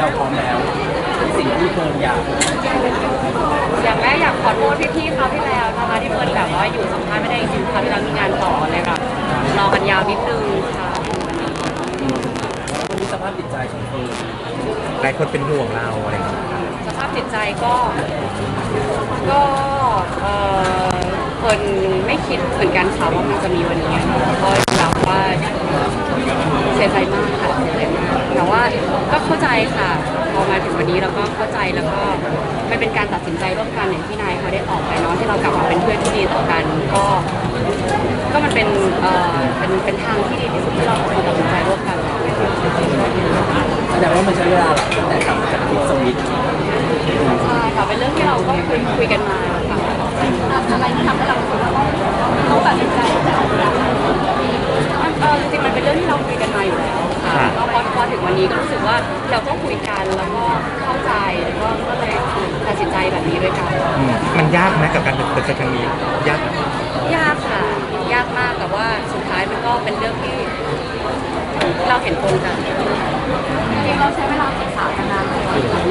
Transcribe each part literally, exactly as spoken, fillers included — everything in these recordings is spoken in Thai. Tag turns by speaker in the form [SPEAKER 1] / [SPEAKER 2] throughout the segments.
[SPEAKER 1] เราพร้อมแล้วสิ่งที่เฟิร์นอยาก
[SPEAKER 2] อย่างแรกอยากขอโทษพี่ๆเขาที่แล้วนะคะที่เฟิร์นแบบว่าอยู่สัมภาษณ์ไม่ได้จริงๆเขาที่เรามีงานต่อเลยค่ะรอกันยาวนิดนึงค่ะ
[SPEAKER 1] วันนี้สภาพจิตใจของเฟิร์น
[SPEAKER 3] หลายคนเป็นห่วงเราอะไรอย่างเงี้ย
[SPEAKER 2] สภาพจิตใจก็ก็เออคนไม่คิดเหมือนกันค่ะว่ามันจะมีวันนี้ก็แบบว่าเสียใจมากค่ะเสียใจมากแต่ว่าก็เข้าใจค่ะพอมาถึงวันนี้เราก็เข้าใจแล้วก็มันเป็นการตัดสินใจร่วมกันอย่างที่นายเขาได้ออกไปเนาะที่เรากลับมาเป็นเพื่อนที่ดีต่อกันก็ก็มันเป็นเอ่อเป็นเป็นทางที่ดีที่สุดที่เราควรตัดสินใจร่วมกัน
[SPEAKER 1] แสดงว่ามันใช้เวลาหลังตั้งแต่กลับมาจากที่สวิต
[SPEAKER 2] ใช่ค่ะเป็นเรื่องที่เราก็คุยคุยกันมาค่ะอะไรที่ทำให้เราคิดว่าต้องตัดสินใจเออจริงๆมันเป็นเรื่องที่เราคุยกันมาอยู่แล้วค่ะก็พอพอถึงวันนี้ก็รู้สึกว่าเราก็คุยกันแล้วก็เข้าใจแล้วก็ก็เลยตัดสินใจแบบนี้ด้วยกัน
[SPEAKER 3] มันยากไหมกับการตัดสินใจครั้งนี้ยาก
[SPEAKER 2] ยากค่ะยากมากแต่ว่าสุดท้ายมันก็เป็นเรื่องที่เราเห็นตรงกันจริงเราใช้เวลาศึกษากันนานไหม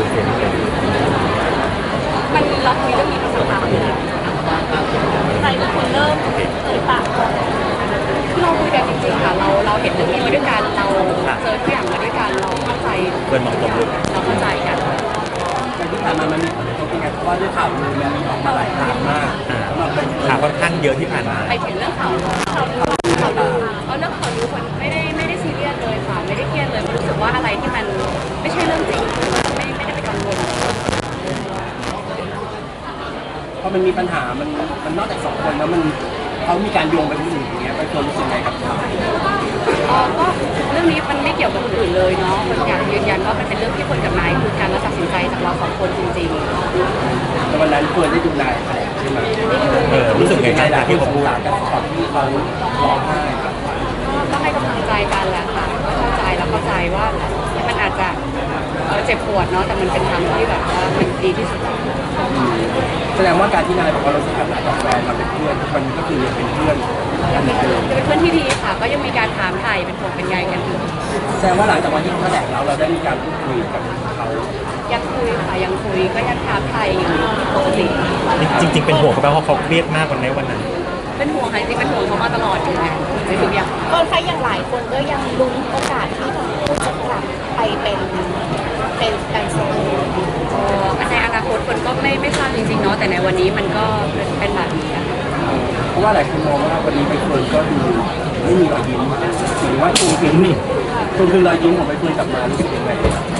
[SPEAKER 2] มันเราคุยเรื่องนี้มาสักพักเลยใครเป็นคนเริ่มเอ่ยปากก่อนคือเราคุยกันจริงๆค่ะเราเราเห็นเรื่องนี้มาด้วยกันเราเจอทุกอย่างมาด้วยกันเราเข้าใจ
[SPEAKER 3] เพื่อนมองตรงเลย
[SPEAKER 2] เราเข้าใจกัน
[SPEAKER 1] แต่ที่ผ่านมามันมีผลกระทบยังไงเพราะว่าด้วยข่าวลือมันออกมาหลายทางมาก
[SPEAKER 3] ข่าวค่อนข้างเยอะที่ผ่านมา
[SPEAKER 2] ไปถึงเรื่องข่าวข่าวลือข่าวลือเอาเรื่องข่าวลือคนไม่ได้ไม่ได้ซีเรียสเลยค่ะไม่ได้เครียดเลยรู้สึกว่าอะไรที่มันไม่ใช่เรื่องจริงไม่ไม่ได้ไปกังวล
[SPEAKER 1] พอมันมีปัญหามันมันนอกจากสองคนแล้วมันเขามีการโยงไปที่อื่นอย่างเงี้ยไปคนรู้สึกไงกับเขา
[SPEAKER 2] อ๋อก็เรื่องนี้มันไม่เกี่ยวกับคนอื่นเลยเนาะคนอยากยืนยันว่ามันเป็นเรื่องที่คนกับนายคุยกันแล้วตัดสินใจจากเราสองคนจริงๆ
[SPEAKER 1] แต่วันนั้นเฟิร์นได้ดูนายใช่ไหม
[SPEAKER 3] เออรู้สึกไง
[SPEAKER 1] นายที่เขาพูดกันตอนที่เขาร้องไห้
[SPEAKER 2] ก็ให้กำลังใจกันแหละค่ะก็เข้าใจแล้วเข้าใจว่ามันอาจจะเจ็บปวดเนาะแต่มันเป็นทางที่แบบว่ามันดีที่สุด
[SPEAKER 1] แสดงว่าการที่นายบอกว่าเราสถานะกับแฟนเราเป็นเพื่อนมันก็คือยังเป็นเพื่อนกันเหมือนเดิม
[SPEAKER 2] เป็นเพื่อนที่ดีค่ะก็ยังมีการถามไถ่เป็นห่วงเป็นใยกันอยู่
[SPEAKER 1] แสดงว่าหลังจากวันที่เขาแถลงเราเราได้มีการพูดคุยกับเขา
[SPEAKER 2] ยังคุยค่ะยังคุยก็ยังถามไถ่อยู่ปกติ
[SPEAKER 3] จริงๆเป็นห่วงเขาเพราะเขาเครียดมากวันในวันนั้น
[SPEAKER 2] เป็นห่วงค่ะจริงเป็นห่วงเขามาตลอดอยู่ไงในทุกอย่าง
[SPEAKER 4] ก็ใครอย่างหลายคนก็ยังลุ้นโอกาสที่ทั้งคู่จะกลับไปเป็นเป็นแฟนโซน
[SPEAKER 2] ในอนาคตคนก็ไม่ไม่ทราบจริงๆเนาะแต่ในวันนี้มันก็เป็นแบบนี้
[SPEAKER 1] เพราะว่าหลายคนมองว่าวันนี้ใบเฟิร์นก็ดูไม่มีรอยยิ้มหรือว่าคุณคือนี่คุณคือรอยยิ้มของใบเฟิร์นกลับมารู้สึกยังไง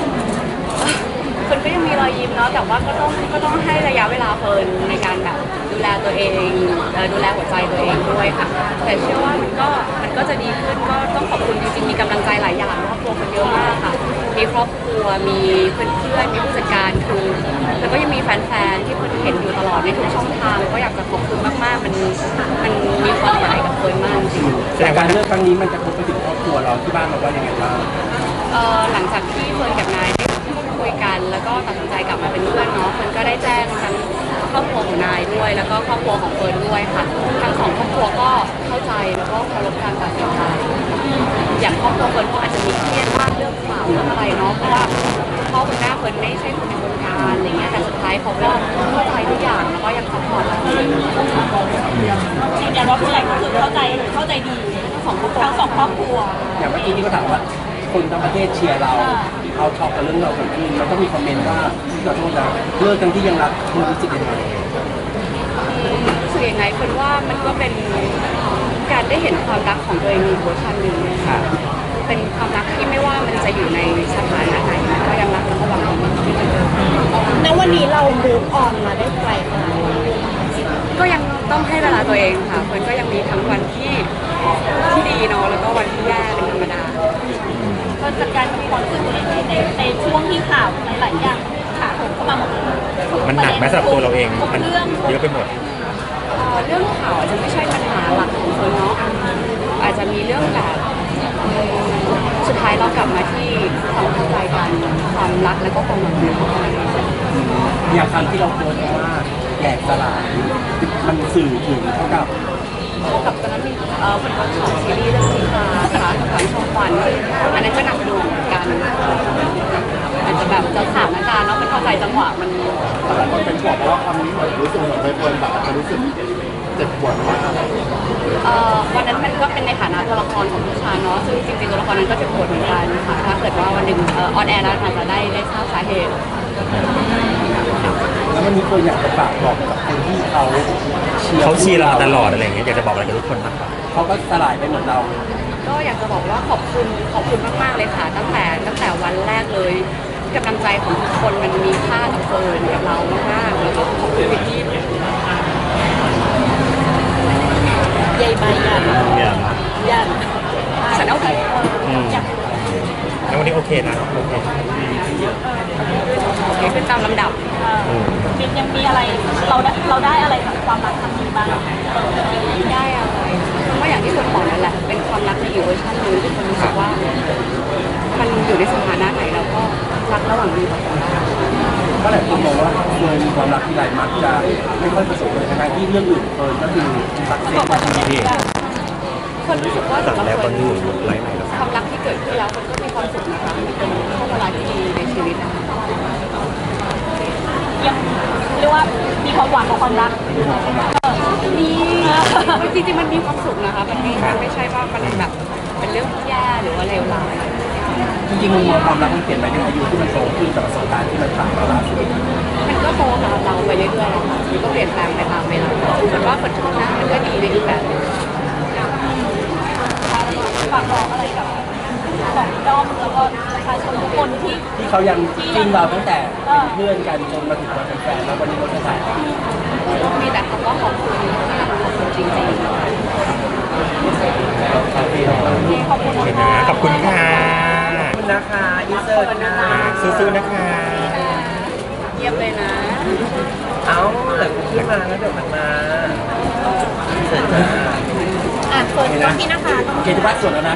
[SPEAKER 2] คนก็ยังมีรอยยิ้มเนาะแต่ว่าก็ต้องก็ต้องให้ระยะเวลาเฟิร์นในการแบบดูแลตัวเองดูแลหัวใจตัวเองด้วยค่ะแต่เชื่อว่ามันก็มันก็จะดีขึ้นก็ต้องขอบคุณจริงๆมีกำลังใจหลายอย่างครอบครัวคนเยอะมากค่ะมีครอบครัวมีเพื่อนๆมีผู้จัดการคือแล้วก็ยังมีแฟนๆที่คนเห็นอยู่ตลอดในทุกช่องทางก็อยากจะขอบคุณมากๆมันมันมีความหมายกับเฟิร์นมากจริง
[SPEAKER 1] แต่การเลือกครั้งนี้มันจะกระทบไปถึงครอบครัวเราที่บ้านเราว่ายังไงบ้าง
[SPEAKER 2] เออหลังจากที่เฟิร์นกับนายคุยกันแล้วก็ตัดสินใจกลับมาเป็นเพื่อนเนาะมันก็ได้แจ้งทั้งครอบครัวของนายด้วยแล้วก็ครอบครัวของเฟิร์นด้วยค่ะทั้งสองครอบครัวก็เข้าใจแล้วก็เคารพการตัดสินใจอย่างครอบครัวเฟิร์นก็อาจจะมีเครียดมากเรื่องข่าวเรื่องอะไรเนาะเพราะว่าพ่อคุณแม่เฟิร์นไม่ใช่คนในวงการอะไรเงี้ยแต่สุดท้ายเขาก็เข้าใจทุกอย่างแล้วก็ยังซัพพอร์ตเรา
[SPEAKER 4] ยืนยันว่าผู้ใหญ่ก็คือเข้าใจเข้าใจดีทั้งสองครอบครัวทั้งสองครอบครัว
[SPEAKER 1] อย่างเมื่อกี้ที่เขาถามว่าคนทั้งประเทศเชียร์เราเขาชอบกับเรื่องเราเกิดขึ้นมันก็มีคอมเมนต์ว่าขอโทษนะเลิกกันที่ยังรักคุณรู้สึกยังไง
[SPEAKER 2] รู้สึกยังไงคนว่ามันก็เป็นการได้เห็นความรักของตัวเองอีกเวอร์ชันหนึ่งเป็นความรักที่ไม่ว่ามันจะอยู่ในสถานะไหนก็ยังรักและก็หวังดี
[SPEAKER 4] ณวันนี้เรามูฟออนมาได้ไกลขนาดไหน
[SPEAKER 2] ก็ยังต้องให้เวลาตัวเองค่ะมันก็ยังมีทั้งวันที่ที่ดีเนาะแล้วก็วันที่แย่เป็นธรรมดา
[SPEAKER 4] ก็จัดการกับความรู้สึกตัวเองในในช่วงที่ข่าวหลายอย่างข่าวเข้ามาหมด
[SPEAKER 3] มันหนักไหมสำหรับตัวเราเองมันเยอะไปหมด
[SPEAKER 2] เรื่องข่าวอาจจะไม่ใช่ปัญหาหลักของคนเนาะอาจจะมีเรื่องแบบสุดท้ายเรากลับมาที่ความเข้าใจกันความรักและก็ความหวังดี
[SPEAKER 1] อย่างคำที่เราโพสต์ว่าแหลกสลายมันสื่อถึงเท่ากับ
[SPEAKER 2] เท่ากับตอนนั้นมีเอ่อเป็นวันของซีรีส์เรื่องสีฟ้าค่ะทางช่องวันอันนั้นก็หนักหน่วงกันอาจจะแบบตอนนั้นก็เจ็บปวดเหมือนกันค่ะถ้าเกิดว่าวันหนึ่งเออนแอร์แล้วอาจจะได้ได้ทราบสาเหตุ
[SPEAKER 1] แล้ววันนี้ตัวอยากจะฝากบอกกับคนที่เขาเชียร์
[SPEAKER 3] เขาเชียร์เรามาตลอดอะไรอย่างเงี้ยอยากจะบอกอะไรกับทุกคนบ้างครับ
[SPEAKER 1] เขาก็สลายไปเหมือนเรา
[SPEAKER 2] ก็อยากจะบอกว่าขอบคุณขอบคุณมาก ๆ เลยค่ะ ตั้งแต่ตั้งแต่วันแรกเลยกำลังใจของทุกคนมันมีค่ากับเฟิร์นกับเรามากๆแล้วก็ขอบคุณที่
[SPEAKER 4] ใหญ่ใบยัน
[SPEAKER 3] เนี่ย
[SPEAKER 4] ยัน
[SPEAKER 2] ฉันเอาไป
[SPEAKER 3] อืมแล้ววันนี้โอเคนะโอเค
[SPEAKER 2] โอเคขึ้นตามลำดับ
[SPEAKER 3] อืม
[SPEAKER 4] มินยังมีอะไรเราได้เราได้อะไรจากความรักครั้งนี้บ้าง
[SPEAKER 2] ได้อะไรมันก็อย่างที่คนบอกนั่นแหละ เป็นความรักในอีกเวอร์ชันหนึงที่คนรู้สึกว่า มันอยู่ในสถานะไหนเราก็รักระหว่างดีต่อกันได้
[SPEAKER 1] เพราะหลายคนมองว่าเคยมีความรักที่ไรมักจะไม่ค่อยประสบเลยทั้งที่เรื่องอื่นเคยก็คือสักเซสมาทีเดียว
[SPEAKER 2] คนรู้สึกว่า
[SPEAKER 3] สั่ง
[SPEAKER 2] สำห
[SPEAKER 3] แล้
[SPEAKER 2] รั
[SPEAKER 3] ว
[SPEAKER 2] บ
[SPEAKER 3] ต
[SPEAKER 2] ค
[SPEAKER 3] อน
[SPEAKER 2] น
[SPEAKER 3] นี้อยู่ไลฟ์ไหนแล้ว
[SPEAKER 2] ความรักที่เกิดขึ้นแล้วคนก็มีความสุขนะคะมันเป็นช่วงเวลาที่ดีในชีวิตนะคะ
[SPEAKER 4] ยังเรียกว่ามีความหวังของความรัก
[SPEAKER 2] มีจริงๆมันมีความสุขนะคะ มันมีมันไม่ใช่ว่ามันแบบเป็นเรื่องที่แย่หรือว่าเลวร้าย
[SPEAKER 1] จริงๆมุมมองความรักมันเปลี่ยนไปในอายุที่มันโตขึ้นจากประสบการณ์ที่มันผ่านมาล่าสุด
[SPEAKER 2] มันก็โตตามเราไปเรื่อยๆนะคะมันก็เปลี่ยนแปลงไปตามเวลาแต่ว่าผลชนะมันก็ดีในอีกแบบหนึง
[SPEAKER 4] ฝากบอกอะไรกับของด้อมแล้วก็ประชาชนทุกคนที่
[SPEAKER 1] ที่เขายังจิ้นเราตั้งแต่เป็นเพื่อนกันจนมาถึงวันเป็นแฟนแล้ววันนี้เราจะถ่าย
[SPEAKER 2] มีแต่คำว่าขอบคุณค่ะขอบคุณจริงๆ
[SPEAKER 1] คาเฟ่เรา
[SPEAKER 4] ขอบคุณ
[SPEAKER 3] โอเค
[SPEAKER 4] ค่ะ
[SPEAKER 3] นะขอบคุณค่ะ
[SPEAKER 1] ขอบคุณนะคะอินเสิร์ตนะ
[SPEAKER 3] สู้ๆนะคะ
[SPEAKER 2] เยี่ยมเลยนะ
[SPEAKER 1] เอาเดี๋ยวขึ้นมาแล้วเดี๋ยวมันมาอินเสิร์ตจ้า
[SPEAKER 4] อ่ะเปิดกล้องพี่นะคะ
[SPEAKER 1] โอเคทุกบ้านสดแล้วนะ